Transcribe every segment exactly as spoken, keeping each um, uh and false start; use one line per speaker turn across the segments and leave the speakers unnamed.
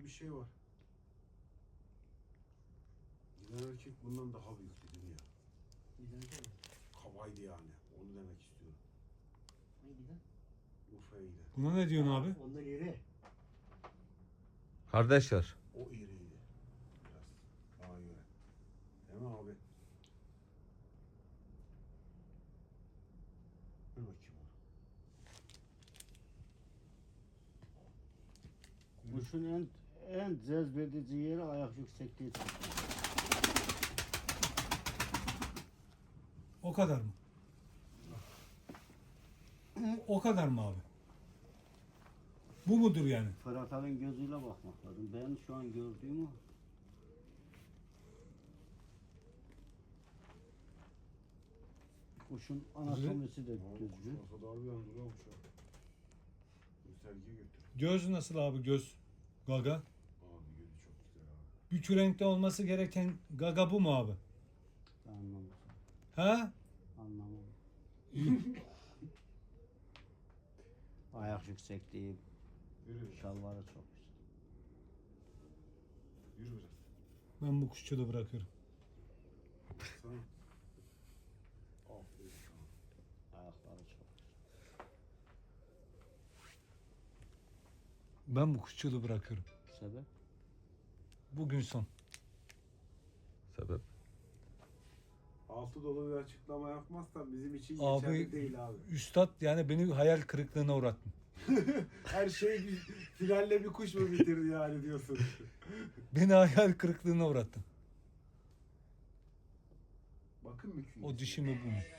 bir şey var. Giden erkek bundan daha büyük dedim ya.
Giden erkek mi?
Kabaydı yani. Onu demek istiyorum.
Hangi giden?
Urfa'ya giden.
Buna ne diyorsun abi?
Onlar iri.
Kardeşler.
O iriydi. Biraz. Bana göre. Değil mi abi? Dur bakayım onu.
Kuşun en en cezbedici yeri ayak yüksekliği.
O kadar mı? O kadar mı abi? Bu mudur yani?
Fırat Alın gözüyle bakmak lazım. Ben şu an gördüğüm o. Kuşun anatomisi de
Abi kuş
düzgün.
olsa da harbiden duruyor uçağı. Gösterge götür.
Göz nasıl abi göz? Gaga.
Abi gözü çok güzel abi.
Bir kürenkte olması gereken gaga bu mu abi?
Anlamadım.
Ha?
Anlamadım. Ayak yüksekliği,
Yürü biraz.
şalvarı çok güzel.
Yürü biraz.
Ben bu kuşçuluğu bırakıyorum.
Sana. Aferin sana.
Ayakları çok güzel.
Ben bu kuşçuluğu bırakıyorum.
Sebep?
Bugün son.
Sebep.
Altı dolu bir açıklama yapmazsan bizim için
Abi-
geçerli değil abi.
Üstad yani beni hayal kırıklığına uğrattın.
Her şey bir finalle bir kuş mu bitirdi yani diyorsun.
Beni hayal kırıklığına uğrattın.
Bakın mı künyesi?
O dişi mi bu mu?
Sakin,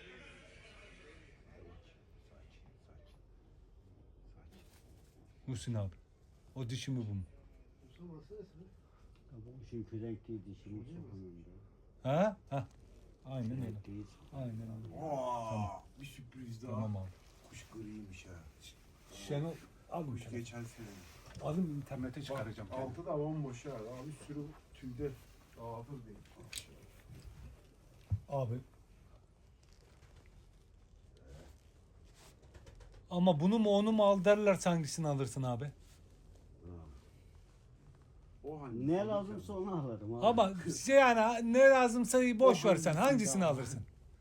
sakin. Sakin.
Muhsin abi. O dişi mi bu mu?
Musa burası neresi?
Bu kuşun kürenkliği dişinin çok önünde.
Ha? Ha. Aynen öyle.
Kürenkliği
Aynen öyle.
Aa,
Tamam.
bir sürpriz daha.
Tamam abi.
Kuş griymiş ha.
Şenol al bu
Kuş
şunu.
geçen sene.
Alın internete çıkaracağım.
Bak, altı da bomboş ha. Daha bir sürü tüyde dağıtır değil.
Abi. Ama bunu mu onu mu al derlerse hangisini alırsın abi?
O hangi?
Ne lazımsa onu alırım abi.
Ama şey yani ne lazımsa boş ver sen. Hangisini alırsın?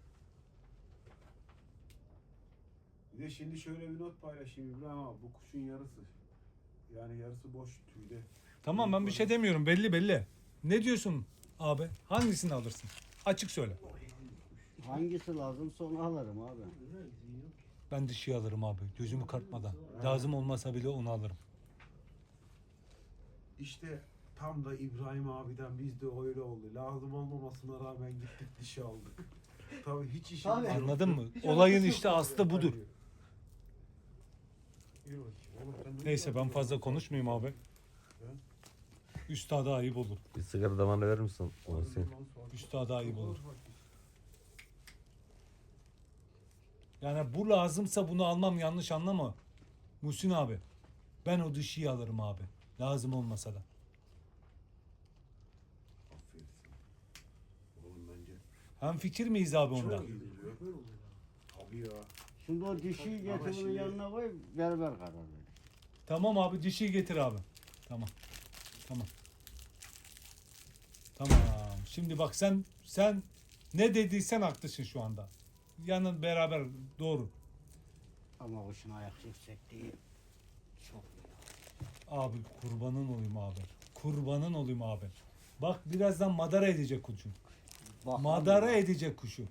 Bir de şimdi şöyle bir not paylaşayım İbrahim abi. Bu kuşun yarısı. Yani yarısı boş tüyde.
Tamam ben bir şey demiyorum. Belli belli. Ne diyorsun abi? Hangisini alırsın? Açık söyle.
Hangisi lazımsa onu alırım abi.
Güzel gizli yok ki.
Ben dişi alırım abi. Gözümü kartmadan. Lazım olmasa bile onu alırım.
İşte tam da İbrahim abiden biz de öyle oldu. Lazım olmamasına rağmen gittik dişi aldık. Tabii hiç işimiz
Tabii.
yok.
Anladın mı?
Hiç
Olayın
alakası
işte
yok abi.
aslı budur.
Yürü bakayım. Oğlum sen ne
Neyse ben
yapıyorsun?
fazla konuşmayayım abi. Üstada ayıp olur.
Bir sigara da bana verir misin? Muhsin.
Üstada ayıp olur. Yani bu lazımsa bunu almam, yanlış anlama. Muhsin abi. Ben o dişiyi alırım abi. Lazım olmasa da.
Aferin sana. Oğlum bence
Hem fikir miyiz abi onda?
çok iyi duruyor.
Böyle oluyor abi.
Tabii ya.
Şimdi o dişiyi
Ama
getir bunun
şimdi-
yanına koy, berber karar verir.
Tamam abi dişiyi getir abi. Tamam. Tamam. Tamam. Şimdi bak sen sen ne dediysen haklısın şu anda. Yanın beraber doğru.
Ama kuşun ayak yüksekliği çok iyi.
Abi kurbanın olayım abi. Kurbanın olayım abi. Bak birazdan madara edecek kuşu.
Bakalım
Madara
ya.
edecek kuşu.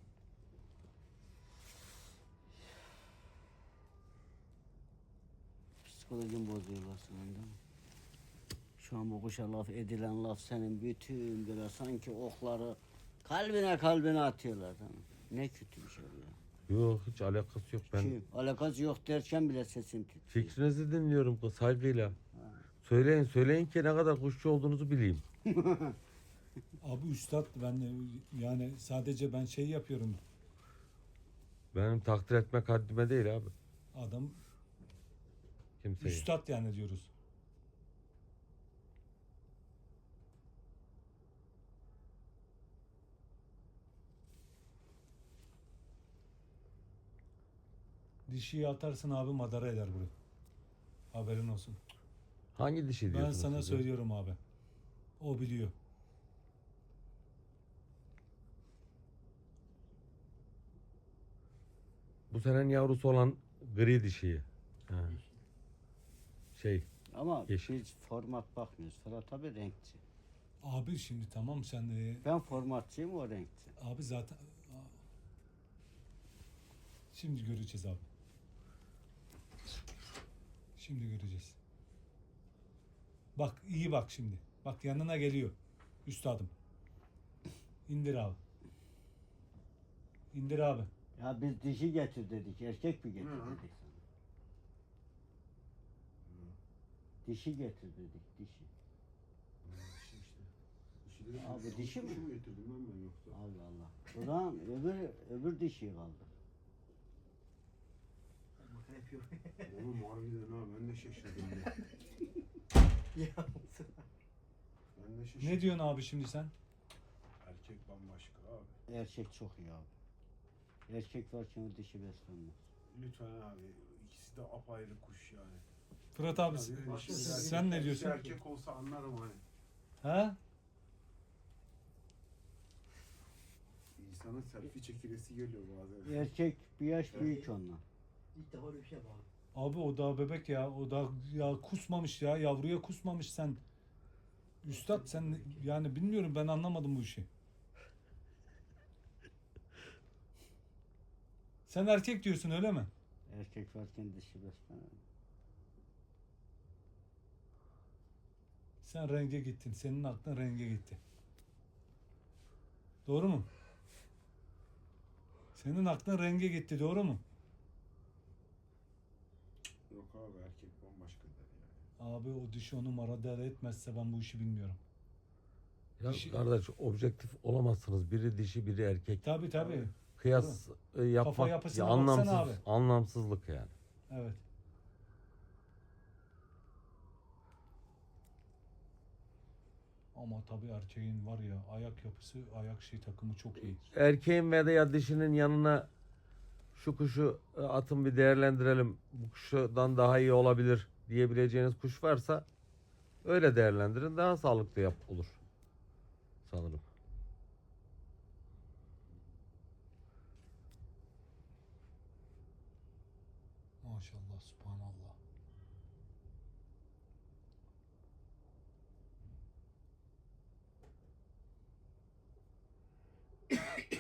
Psikolojim bozuyorlar senin değil mi? Şu an bu kuşa laf edilen laf senin bütün böyle sanki okları kalbine kalbine atıyorlar. Tamam. Ne kötü bir şey bu ya.
Yok hiç alakası yok. Ben
Kim? Alakası yok derken bile sesim titriyor.
fikrinizi dinliyorum kız saygıyla. Söyleyin söyleyin ki ne kadar kuşçu olduğunuzu bileyim.
Abi üstad ben de yani sadece ben şey yapıyorum.
Benim takdir etmek haddime değil abi.
Adam
Kimseyi.
üstad yani diyoruz. Dişiyi atarsın abi madara eder burayı. Haberin olsun.
Hangi dişi
Ben
diyorsunuz
sana
siz ya?
söylüyorum abi. O biliyor.
Bu senenin yavrusu olan gri dişiyi. Ha. Şey,
Ama
Yeşil.
biz format bakmıyoruz. Fırat abi renkçi.
Abi şimdi tamam sen de
Ben formatçıyım, o renkçi.
abi zaten şimdi göreceğiz abi. Şimdi göreceğiz. Bak iyi bak şimdi. Bak yanına geliyor. Üstadım. İndir abi. İndir abi.
Ya biz dişi getir dedik, erkek mi getir
Hı.
dedik sana. Dişi getir dedik, dişi.
Dişi işte. Dişi dedim,
Abi
yanlış
dişi mi?
kuşu getirdim lan ben yoksa?
Allah Allah. O zaman öbür, öbür dişi kaldı.
Makara yapıyor.
Oğlum harbiden ha ben de şaşırdım ya.
Ya.
Ben de şaşırdım.
Ne diyorsun abi şimdi sen?
Erkek bambaşka abi.
Erkek çok iyi abi. Erkek varken o dişi beslenmez.
Lütfen abi ikisi de apayrı kuş yani.
Fırat abi
Ya biri
başka
dişi,
sen-
biri
sen ne
erkek.
diyorsun?
Birisi erkek olsa anlarım hani.
Ha?
İnsanın selfie çekilesi geliyor bazen.
Erkek bir yaş büyük ondan.
İlk defa öyle bir şey yapalım.
Abi o daha bebek ya. O da ya kusmamış ya. Yavruya kusmamış sen. Üstad sen yani bilmiyorum ben anlamadım bu işi. Sen erkek diyorsun öyle mi?
Erkek varken dişi beslenmez.
Sen renge gittin. Senin aklın renge gitti. Doğru mu? Senin aklın renge gitti. Doğru mu?
Yok abi erkek bambaşkadır yani.
Abi o dişi o numara der etmezse ben bu işi bilmiyorum.
Ya
Dişi-
kardeş objektif olamazsınız. Biri dişi, biri erkek.
Tabii tabii.
Kıyas e, yapmak
yapısına
ya,
baksana
anlamsız,
abi.
anlamsızlık yani.
Evet. Ama tabii erkeğin var ya ayak yapısı, ayak şey takımı çok iyi.
Erkeğin veya dişinin yanına şu kuşu e, atın bir değerlendirelim. Bu kuşdan daha iyi olabilir diyebileceğiniz kuş varsa öyle değerlendirin. Daha sağlıklı yap olur. Sanırım.
Maşallah, subhanallah.